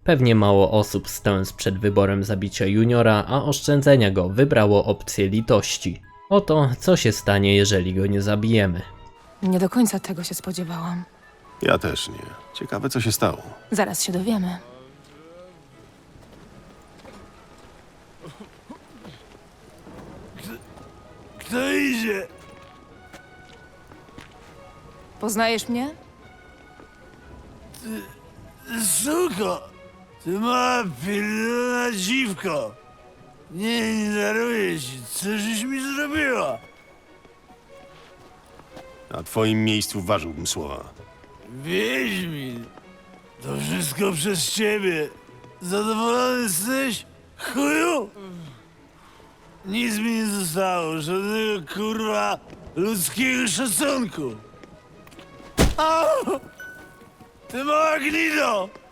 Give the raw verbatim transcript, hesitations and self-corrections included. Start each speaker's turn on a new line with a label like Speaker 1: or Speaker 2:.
Speaker 1: Pewnie mało osób stojąc przed wyborem zabicia Juniora, a oszczędzenia go wybrało opcję litości. Oto co się stanie, jeżeli go nie zabijemy.
Speaker 2: Nie do końca tego się spodziewałam.
Speaker 3: Ja też nie. Ciekawe, co się stało.
Speaker 2: Zaraz się dowiemy.
Speaker 4: Kto idzie?
Speaker 2: Poznajesz mnie?
Speaker 4: Suko! Ty mała pilna dziwko! Nie, nie daruję ci. Co żeś mi zrobiła?
Speaker 3: Na twoim miejscu ważyłbym słowa.
Speaker 4: Wiedźmin! To wszystko przez ciebie. Zadowolony jesteś? Chuju? Nic mi nie zostało. Żadnego kurwa ludzkiego szacunku. Au! Ty mała gnido!